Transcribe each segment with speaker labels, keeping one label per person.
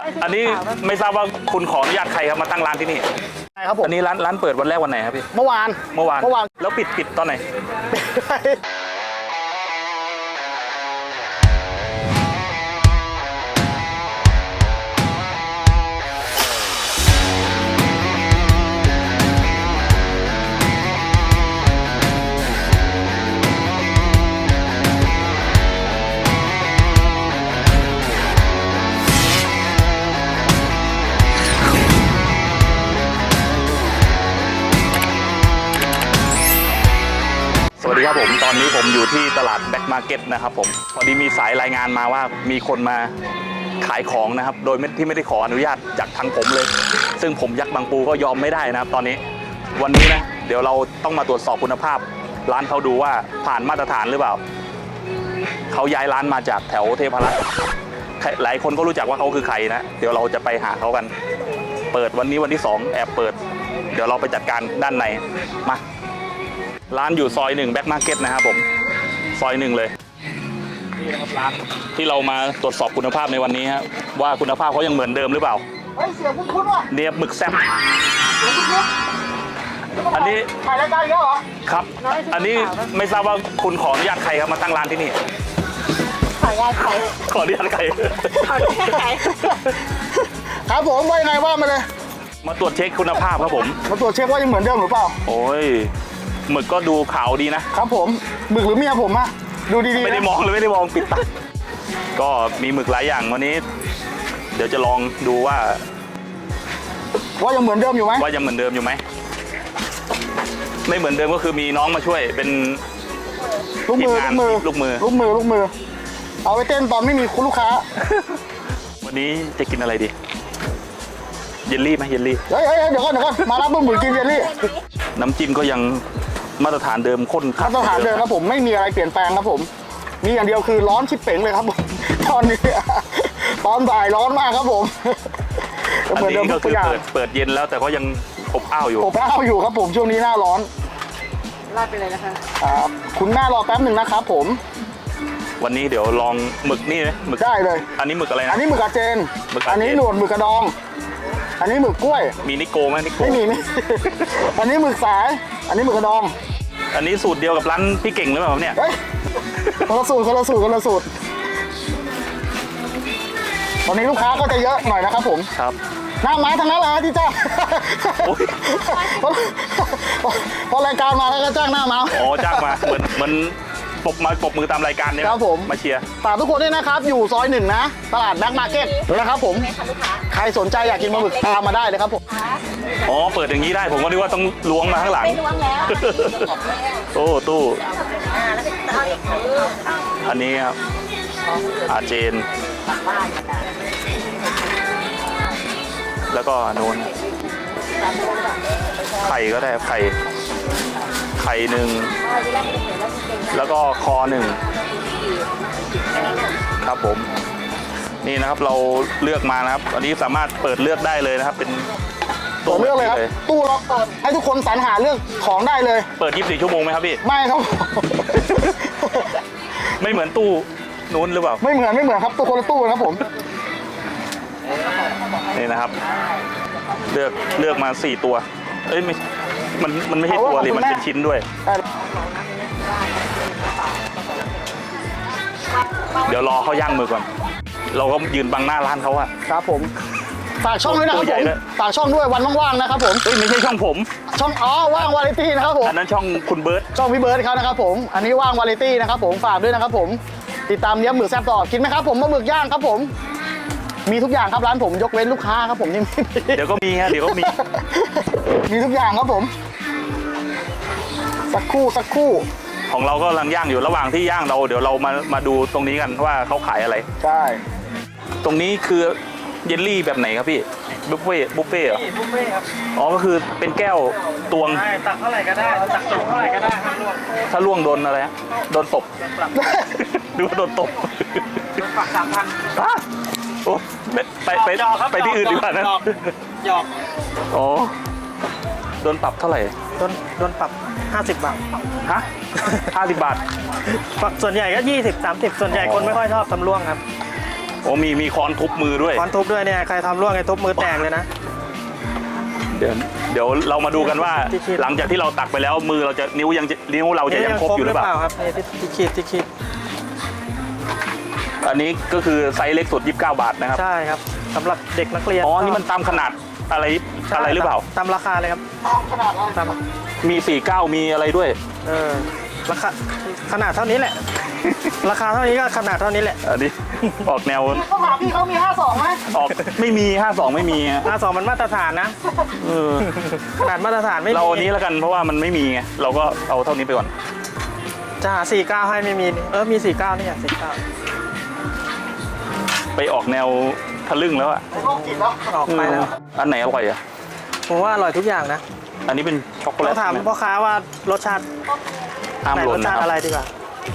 Speaker 1: อันนี้ไม่ทราบว่าคุณขออนุญาตใครครับมาตั้งร้านที่นี่
Speaker 2: ใช่ครับผม
Speaker 1: อันนี้ร้านเปิดวันแรกวันไหนครับพี่
Speaker 2: เมื่อวาน
Speaker 1: แล้วปิดตอนไหนสวัสดีครับผมตอนนี้ผมอยู่ที่ตลาดแบ็คมาร์เก็ตนะครับผมพอดีมีสายรายงานมาว่ามีคนมาขายของนะครับโดยที่ไม่ได้ขออนุญาตจากทางผมเลยซึ่งผมยักษ์บางปูก็ยอมไม่ได้นะครับตอนนี้วันนี้นะเดี๋ยวเราต้องมาตรวจสอบคุณภาพร้านเขาดูว่าผ่านมาตรฐานหรือเปล่าเขาย้ายร้านมาจากแถวเทพรัตน์หลายคนก็รู้จักว่าเขาคือใครนะเดี๋ยวเราจะไปหาเขากันเปิดวันนี้วันที่2แอบเปิดเดี๋ยวเราไปจัดการด้านในมาร้านอยู่ซอย1แบ็คมาร์เก็ตนะครับผมซอย1เลยนี่นะครับร้านที่เรามาตรวจสอบคุณภาพในวันนี้ครับว่าคุณภาพเขายังเหมือนเดิมหรือเปล่า
Speaker 2: เสียงคุ้นๆว่ะ
Speaker 1: เนี่ยหมึกแซ่บอันนี้
Speaker 2: ถ่ายรายการแล้วเหรอ
Speaker 1: ครับอันนี้ไม่ทราบว่าคุณขออนุญาตใครครับมาตั้งร้านที่นี่
Speaker 2: ขออนุญาตใคร
Speaker 1: ขออนุญาตใคร
Speaker 2: ครับผมว่ายังไงว่ามาเลย
Speaker 1: มาตรวจเช็คคุณภาพครับผม
Speaker 2: มาตรวจเช็คว่ายังเหมือนเดิมหรือเปล่า
Speaker 1: โอ้ยหมึกก็ดูขาวดีนะครับ
Speaker 2: ผมหมึกหรือเมียผมอะดูดีๆ
Speaker 1: ไม่ได้มองเลยไม่ได้มองปิดตาก็มีหมึกหลายอย่างวันนี้เดี๋ยวจะลองดูว่า
Speaker 2: ยังเหมือนเดิมอยู่ไหม
Speaker 1: ว่ายังเหมือนเดิมอยู่ไหมไม่เหมือนเดิมก็คือมีน้องมาช่วยเป็น
Speaker 2: ลูกมือเอาไปเต้นตอนไม่มีคุณลูกค้า
Speaker 1: วันนี้จะกินอะไรดีเยลลี่ไหมเยลลี่
Speaker 2: เดี๋ยวก่อนมารับหมึกกินเยลลี่
Speaker 1: น้ำจิ้มก็ยังมาตรฐานเดิมข้น
Speaker 2: มาตรฐานเดิมครับผมไม่มีอะไรเปลี่ยนแปลงครับผมมีอย่างเดียวคือร้อนชิบเป๋งเลยครับผมตอนนี้ตอนบ่ายร้อนมากครับผม
Speaker 1: อันนี้ก็คือเปิดเย็นแล้วแต่ก็ยังอบอ้าวอยู่
Speaker 2: ครับผมช่วงนี้หน้าร้อน
Speaker 3: ลาดไปเลยนะคะ
Speaker 2: คุณแม่รอแป๊บหนึ่งนะครับผม
Speaker 1: วันนี้เดี๋ยวลองหมึกนี่หมึก
Speaker 2: ได้เลย
Speaker 1: อันนี้หมึกอะไรนะ
Speaker 2: อันนี้หมึกอาเจนอันนี้หนวดหมึกกระดองอันนี้หมึกกล้วย
Speaker 1: มีนิโกไหมนิโก
Speaker 2: ไม่มีอันนี้หมึกสายอันนี้หมึกกระดอง
Speaker 1: อันนี้สูตรเดียวกับร้านพี่เก่งหรือเปล่าเนี่ย
Speaker 2: คนละสูตรวันนี้ลูกค้าก็จะเยอะหน่อยนะครับผม
Speaker 1: ครับ
Speaker 2: หน้าไม้ทั้งนั้นเลยที่จ้างพอรายการมาแล้วก็จ้างหน้าม้า
Speaker 1: จ้างมาเหมือนปบมือตามรายการเนี่ย
Speaker 2: ครับผม
Speaker 1: มาเชียร์
Speaker 2: ฝากทุกคนด้วยนะครับอยู่ซอย1นะตลาดแบ็คมาร์เก็ตนะครับผมใครสนใจอยากกินปลาหมึกตามมาได้เลยครับผม
Speaker 1: เปิดอย่างนี้ได้ผมก็นึกว่าต้องล้วงมาข้างหลัง
Speaker 3: ไม่ล้วงแล้ว
Speaker 1: โอ้ตู้อันนี้ครับอาเจนแล้วก็โน้นไข่ก็ได้ไข่หนึ่งแล้วก็คอหนึ่งครับผมนี่นะครับเราเลือกมานะครับอันนี้สามารถเปิดเลือกได้เลยนะครับเป็น
Speaker 2: ตัวเลือกเลยครับตู้เราเปิดให้ทุกคนสรรหาเลือกของได้เลย
Speaker 1: เปิด24 ชั่วโมงไหมครับพี่
Speaker 2: ไม่ครับ
Speaker 1: ไม่เหมือนตู้นู้นหรือเปล่า
Speaker 2: ไม่เหมือนครับตู้คนละตู้ครับผม
Speaker 1: นี่นะครับเลือกมา4ตัวเอ้ยมันไม่ใช่ตัวเลยมันเป็นชิ้นด้วยเดี๋ยวรอเขาย่างมือก่อนเราก็ยืนบังหน้าร้านเขาอะ
Speaker 2: ครับผมฝากช่องด้วยนะครับผมฝากช่องด้วยวันว่างๆนะครับผม
Speaker 1: ไม่ใช่ช่องผม
Speaker 2: ช่องว่างวาไรตี้นะครับผม
Speaker 1: อันนั้นช่องคุณเบิร์ด
Speaker 2: ช่องพี่เบิร์ดเขานะครับผมอันนี้ว่างวาไรตี้นะครับผมฝากด้วยนะครับผมติดตามเลี้ยงหมึกแซ่บต่อกินไหมครับผมปลาหมึกย่างครับผมมีทุกอย่างครับร้านผมยกเว้นลูกค้าครับผมที่
Speaker 1: เดี๋ยวก็มีฮะเดี๋ยวก็
Speaker 2: มีทุกอย่างครับผมสักครู่
Speaker 1: ของเราก็กำลังย่างอยู่ระหว่างที่ย่างเดี๋ยวเรามาดูตรงนี้กันว่าเขาขายอะไร
Speaker 2: ใช่
Speaker 1: ตรงนี้คือเยลลี่แบบไหนครับพี่บุฟเฟ่เหรอ
Speaker 3: บุฟเฟ่ครับ
Speaker 1: ก็คือเป็นแก้วตวง
Speaker 3: ตักเท่าไหร่ก็ได้ตักตกเท่าไหร่ก็ได้
Speaker 1: ถ้าล่วงโดนอะไรฮะโดนตบดูว่าโดนตบ
Speaker 3: ปรับ 3,000
Speaker 1: โอ้ไปที่อื่นดีกว่านะ
Speaker 3: หยอก
Speaker 1: โดนปรับเท่าไหร่
Speaker 3: โดนปรับ50 บาท
Speaker 1: ฮะ50 บาท
Speaker 3: ส่วนใหญ่ก็20-30ส่วนใหญ่คนไม่ค่อยชอบตำล่วงครับ
Speaker 1: โอ้มีค้อนทุบมือด้วย
Speaker 3: ค้อนทุบด้วยเนี่ยใครทำร่วงไอ้ทุบมือแตกเลยนะ
Speaker 1: เดี๋ยวเรามาดูกันว่า
Speaker 3: ที่ขีด
Speaker 1: หลังจากที่เราตักไปแล้วมือเราจะนิ้วเราจะยังครบอยู่หรือเปล่า
Speaker 3: ครับนี่ที่ขีด
Speaker 1: อันนี้ก็คือไซส์เล็กสุด29 บาทนะครับ
Speaker 3: ใช่ครับสำหรับเด็กนักเรียน
Speaker 1: อ๋อนี่มันตามขนาดอะไร
Speaker 3: ใช่
Speaker 1: อะไรหรือเปล่า
Speaker 3: ตามราคาเลยครับ
Speaker 2: ขนาดเรา
Speaker 3: ตาม
Speaker 1: มี49มีอะไรด้วย
Speaker 3: ราคาขนาดเท่านี้แหละ ราคาเท่านี้ก็ขนาดเท่านี้แหละ
Speaker 1: อันนี้ ออกแนว
Speaker 2: เขาถามพี่เขามี 52ไหม
Speaker 1: ออกไม่มี52ไม่มี
Speaker 3: 52มันมาตรฐานนะ
Speaker 1: เออ
Speaker 3: ขนาดมาตรฐานไม่มี
Speaker 1: เราอันนี้แล้วกันเพราะว่ามันไม่มีไงเราก็เอาเท่านี้ไปก่อน
Speaker 3: จะหา49ให้ไม่มีมี49นี่49
Speaker 1: ไปออกแนวทะลึ่งแล้วอะ
Speaker 2: โรคจิตแล้ว
Speaker 3: ออกไปแล้ว
Speaker 1: อันไหนอร่อยอะ
Speaker 3: ผมว่าอร่อยทุกอย่างนะ
Speaker 1: อันนี้เป็นช็อกโกแล
Speaker 3: ต้
Speaker 1: ต
Speaker 3: องถาม
Speaker 1: ใช่ไหม
Speaker 3: พ่อค้าว่ารสชาติ
Speaker 1: ห้าม
Speaker 3: ไหน
Speaker 1: หล่
Speaker 3: ร
Speaker 1: น
Speaker 3: ส
Speaker 1: นะ
Speaker 3: ชาติ
Speaker 1: ค
Speaker 3: อะไร
Speaker 1: รับ
Speaker 3: ดีกว่า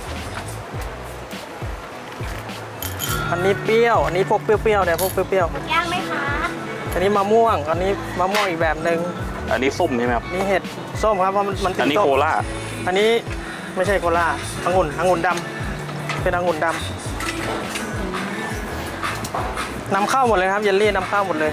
Speaker 3: อันนี้เปรี้ยว อันนี้พวกเปรี้ยวๆเนี่ยพวกเปรี้ยว
Speaker 4: ย่างไหมคะ
Speaker 3: ๆอันนี้มะม่วง อันนี้มะม่วงอีกแบบหนึ่ง
Speaker 1: อันนี้ส้มใช่ไหมครับ
Speaker 3: นี่เห็ดส้มครับเพราะมันติด
Speaker 1: อันนี้
Speaker 3: ส้ม
Speaker 1: โคล่า
Speaker 3: อันนี้ไม่ใช่โคลาองุ่นดำเป็นองุ่นดำนำเข้าหมดเลยครับเยลลี่นำเข้าหมดเลย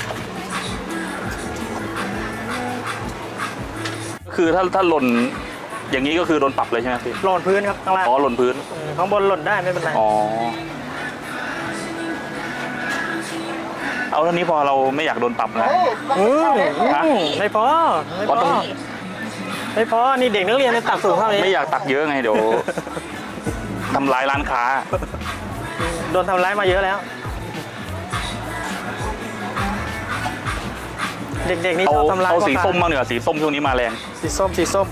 Speaker 1: คือถ้าหล่นอย่างนี้ก็คือโดนปรับเลยใช่ไหมพี่
Speaker 3: หล่นพื้นครับข้างล่าง
Speaker 1: อ๋อหล่นพื้น
Speaker 3: ข้างบนหล่นได้ไม่เป็นไร
Speaker 1: อ๋อเอาเท่านี้พอเราไม่อยากโดนปรับนะ
Speaker 3: ไม่พอไม่พ
Speaker 1: อ๋อต้
Speaker 3: อ
Speaker 1: อง
Speaker 3: ไม่พอนี่เด็กนักเรียนในตักสูงเท่านี้
Speaker 1: ไม่อยากตักเยอะไงเดี๋ยวทำลายร้านค้า
Speaker 3: โดนทำร้ายมาเยอะแล้ว เด็กๆนี่
Speaker 1: เอา
Speaker 3: ชอบทำร้าย
Speaker 1: เอาสี
Speaker 3: พ่อค้
Speaker 1: ส้มบ้างเนีกว่ยสีส้มช่วงนี้มาแรง
Speaker 3: สีส้ม
Speaker 1: สีส้ม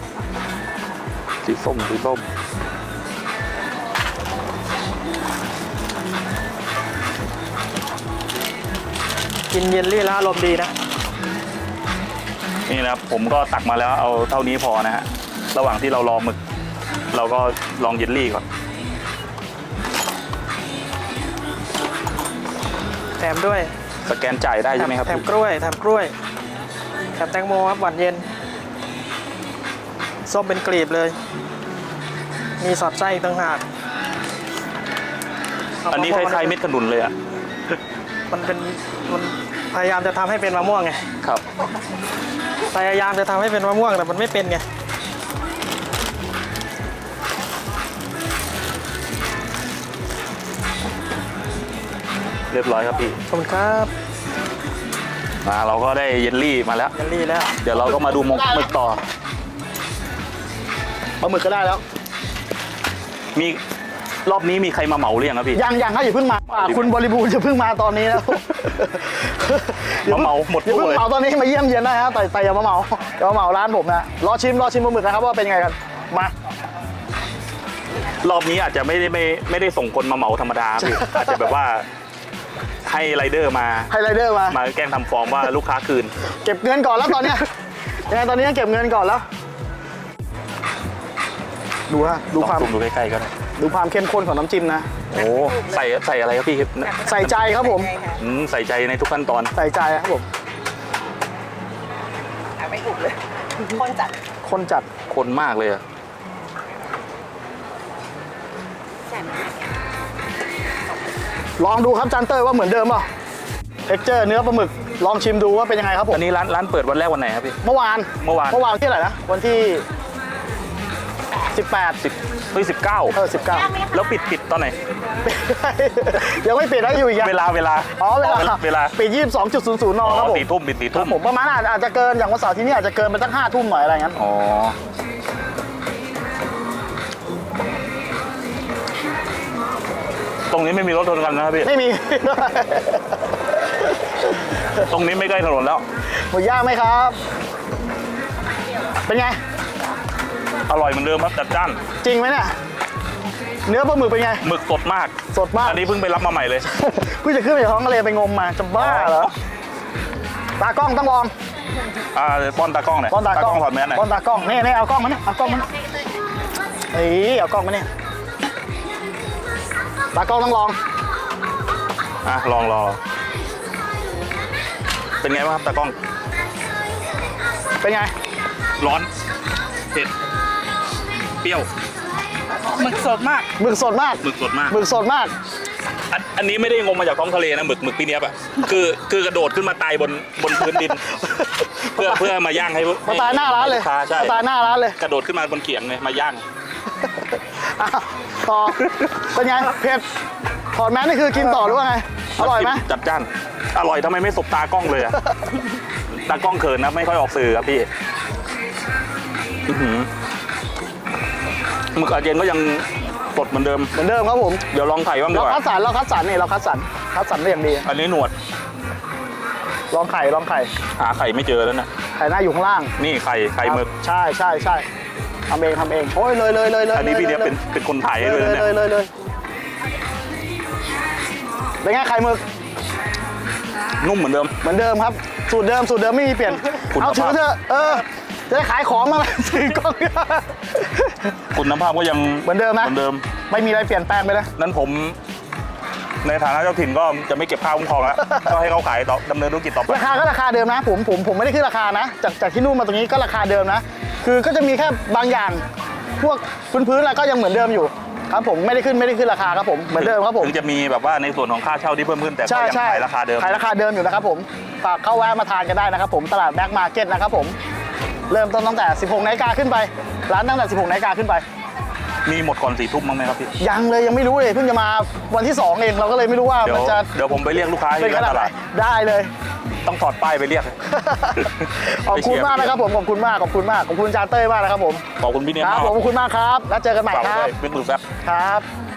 Speaker 3: กินเยลลี่แล้วอารมณ์ดีนะ
Speaker 1: นี่นะครับผมก็ตักมาแล้วเอาเท่านี้พอนะฮะระหว่างที่เรารอหมึก เราก็ลองเยลลี่ก่อน
Speaker 3: แถมด้วย
Speaker 1: สแกนจ่ายได้ใช่ไหมครับ
Speaker 3: แถมกล้วยแถมแตงโมครับหวานเย็น ส้มเป็นกลีบเลย มีสอดไส้อีกต่างหาก
Speaker 1: อันนี้คล้ายๆเม็ดขนุนเลยอ่ะ
Speaker 3: มันพยายามจะทำให้เป็นมะม่วงไง
Speaker 1: ครับ
Speaker 3: พยายามจะทำให้เป็นมะม่วงแต่มันไม่เป็นไง
Speaker 1: เรียบร้อยครับพี่
Speaker 3: ขอบคุณครับ
Speaker 1: มาเราก็ได้เยลลี่มาแล้ว
Speaker 3: เยลลี่แล้ว
Speaker 1: เดี๋ยวเราก็มาดูหมึกต่อ
Speaker 2: ปลาหมึกก็ได้แล้ว
Speaker 1: มีรอบนี้มีใครมาเหมาหรือยังครับพี่
Speaker 2: ยังครับอย่าเพิ่งมาคุณบริบูรณ์อย่าเพิ่งมาตอนนี้นะ
Speaker 1: มาเหมาหมด
Speaker 2: อย่า
Speaker 1: ตู้
Speaker 2: เพิ่ง
Speaker 1: เลย
Speaker 2: เหมาตอนนี้มาเยี่ยมเยียนได้ครับแต่อย่ามาเหมาร้านผมนะรอชิมปลาหมึกนะครับว่าเป็นไงกันมาร
Speaker 1: อบนี้อาจจะไม่ได้ส่งคนมาเหมาธรรมดาพี่อาจจะแบบว่าให้ไรเดอร์มา
Speaker 2: ให้ไรเดอร์มา
Speaker 1: แกล้งทำฟอร์มว่าลูกค้าคืน
Speaker 2: เก็บเงินก่อนแล้วตอนเนี้ยยังไงตอนนี้เก็บเงินก่อนแล้ว ดูฮะดู
Speaker 1: ลอง
Speaker 2: ความ
Speaker 1: ซูมดูใกล้ๆก็ได้
Speaker 2: ดูความเข้มข้นของน้ำจิ้มนะ
Speaker 1: โอ้ใส่อะไรครับพี่
Speaker 2: ใส่ใจครับผม
Speaker 1: ใส่ใจในทุกขั้นตอน
Speaker 2: ใส่ใจครับผม
Speaker 4: ไม่ถูกเลย คนจัด
Speaker 2: คนจัด
Speaker 1: คนมากเลยอะ
Speaker 4: แจ่ม
Speaker 2: ลองดูครับจานเต้ยว่าเหมือนเดิมเปล่าเท็กเจอร์เนื้อปลาหมึกลองชิมดูว่าเป็นยังไงครับผม
Speaker 1: อันนี้ร้านเปิดวันแรกวันไหนครับพี่
Speaker 2: เมื่อวาน
Speaker 1: เมื่อวาน
Speaker 2: ที่ไหนนะวันที่ 18
Speaker 1: 19
Speaker 2: 19
Speaker 1: แล้วปิดตอนไหน
Speaker 2: ยังไม่ปิดนะอยู่อีกอะ
Speaker 1: เวลา
Speaker 2: อ๋อเวลา
Speaker 1: เวลา
Speaker 2: ปิด 22.00 นครับผม
Speaker 1: 4 ทุ่มปิด4
Speaker 2: ครั
Speaker 1: ทุ่
Speaker 2: บ
Speaker 1: ม
Speaker 2: ผมประมาณอาจจะเกินอย่างวันเสาร์ที่นี่อาจจะเกินไปสัก5 ทุ่มหน่อยอะไรงั้น
Speaker 1: อ๋อตรงนี้ไม่มีรถชนกันนะครับพี่
Speaker 2: ไม่มี
Speaker 1: ตรงนี้ไม่ใกล้ถนนแล้ว
Speaker 2: หมูย่างไหมครับ เป็นไง
Speaker 1: อร่อยเหมือนเดิมครับจัดจ้าน
Speaker 2: จริงไหมเนี่ยเนื้อปลาหมึกเป็นไง
Speaker 1: หมึกสดมาก
Speaker 2: สดมาก
Speaker 1: อันนี้เพิ่งไปรับมาใหม่เลย
Speaker 2: เพิ่งจะขึ้นไปจากท้องทะเลไปงมมาจะบ้าเหรอตากล้องต้องลอง
Speaker 1: ป้อนตากล้องหน่อย
Speaker 2: ป้อนตากล้อง
Speaker 1: ถอดแมสหน่อย
Speaker 2: ป้อนตากล้องนี่เอากล้องมาเนี่ยเอากล้องมาเนี่ยเฮ้ยเอากล้องมาเนี่ยตากล้องต้องลอง
Speaker 1: ลองเป็นไงบ้างครับตากล้อง
Speaker 2: เป็นไง
Speaker 1: ร้อนเผ็ดเปรี้ยว
Speaker 3: หมึกสดมาก
Speaker 2: หมึกสดมาก
Speaker 1: หมึกสดมาก
Speaker 2: หมึกสดมาก
Speaker 1: อันนี้ไม่ได้งมมาจากท้องทะเลนะหมึกพี่เนี้ยบอ่ะคือกระโดดขึ้นมาตายบนพื้นดิน เพื่อมาย่างให้
Speaker 2: มาตายหน้าร้านเลย
Speaker 1: ใช่ใช่
Speaker 2: มาตายหน้าร้านเลย
Speaker 1: กระโดดขึ้นมาบนเขียงเลยมาย่าง
Speaker 2: อ่ะต่อเป็นไงเผ็ดถอดแมสนี่คือกินต่อหรือว่าไงอร่อยไหม
Speaker 1: จัดจ้านอร่อยทำไมไม่สบตากล้องเลยอะ ตากล้องเขินนะไม่ค่อยออกสื่อครับพี่อื้อหือหมึกอาเจนก็ยังสดเหมือนเดิม
Speaker 2: เหมือนเดิมครับผม
Speaker 1: เดี๋ยวลองไข่บ้างดี
Speaker 2: เรา
Speaker 1: กว่า
Speaker 2: คัดสรรนี่เราคัดสรรได้อย่างดี
Speaker 1: อันนี้หนวด
Speaker 2: ลองไข่
Speaker 1: หาไข่ไม่เจอแล้วนะ
Speaker 2: ไข่หน้าอยู่ข้างล่าง
Speaker 1: นี่ไข่หมึก
Speaker 2: ใช่ทำเองโอ้ยเลย
Speaker 1: อันนี้พี่เนี้ยเป็นคนถ่ายให้
Speaker 2: เล
Speaker 1: เลย ยนะเนี่ย
Speaker 2: เลยเป็นไงไข่หมึก
Speaker 1: นุ่มเหมือนเดิม
Speaker 2: เหมือนเดิมครับสูตรเดิมไม่มีเปลี่ยน
Speaker 1: คุณ
Speaker 2: เอาถือ
Speaker 1: ภาพ
Speaker 2: เถอะจะได้ขายของมา ถือกล้อง
Speaker 1: คุณภาพก็ยัง
Speaker 2: เหมือนเดิมนะ
Speaker 1: เหมือนเดิม
Speaker 2: ไม่มีอะไรเปลี่ยนแปลงไปนะ
Speaker 1: นั้นผมในฐานะเจ้าถิ่นก็จะไม่เก็บค่าคุ้มครองแล้ว ก็ให้เขาขายต่อดำเนินธุรกิจต่อไป
Speaker 2: ราคาก็ราคาเดิมนะผมไม่ได้ขึ้นราคานะจากที่นู่นมาตรงนี้ก็ราคาเดิมนะคือก็จะมีแค่บางอย่างพวกพื้นอะไรก็ยังเหมือนเดิมอยู่ครับผมไม่ได้ขึ้นราคาครับผมเหมือนเดิมครับผม
Speaker 1: ถึงจะมีแบบว่าในส่วนของค่าเช่าที่เพิ่มขึ้นแต่ก็
Speaker 2: ใช่
Speaker 1: ยัง
Speaker 2: ใช่
Speaker 1: ขายราคาเดิม
Speaker 2: ขายราคาเดิมอยู่นะครับผมฝากเข้าแวะมาทานกันได้นะครับผมตลาดแบ็คมาร์เก็ตนะครับผมเริ่มต้นตั้งแต่ 16 นาฬิกาขึ้นไปร้านตั้งแต่ 16 นาฬิกาขึ้นไป
Speaker 1: มีหมดก่อน4 ทุ่มบ้างไหมครับพี่
Speaker 2: ยังเลยยังไม่รู้เลยเพิ่งจะมาวันที่ 2 เองเราก็เลยไม่รู้ว่า
Speaker 1: เดี๋ยว
Speaker 2: มันจะ
Speaker 1: เดี๋ยวผมไปเรียกลูกค้า
Speaker 2: เป็น
Speaker 1: ที่
Speaker 2: ขนาด
Speaker 1: ต
Speaker 2: ไหน
Speaker 1: ลาด
Speaker 2: ได้เลย
Speaker 1: ต้องถอดป้ายไปเรียก
Speaker 2: ขอบคุณมากนะครับผมขอบคุณจานเต้ยมากนะครับผม
Speaker 1: ขอบคุณพี่เนียม
Speaker 2: ครับ
Speaker 1: มาก
Speaker 2: ผมขอบคุณมากครับแล้วเจอกันใหม่
Speaker 1: ฝาก
Speaker 2: ค
Speaker 1: ไว้
Speaker 2: รับ
Speaker 1: ด้วยเป็นมือแฟบ
Speaker 2: ครับ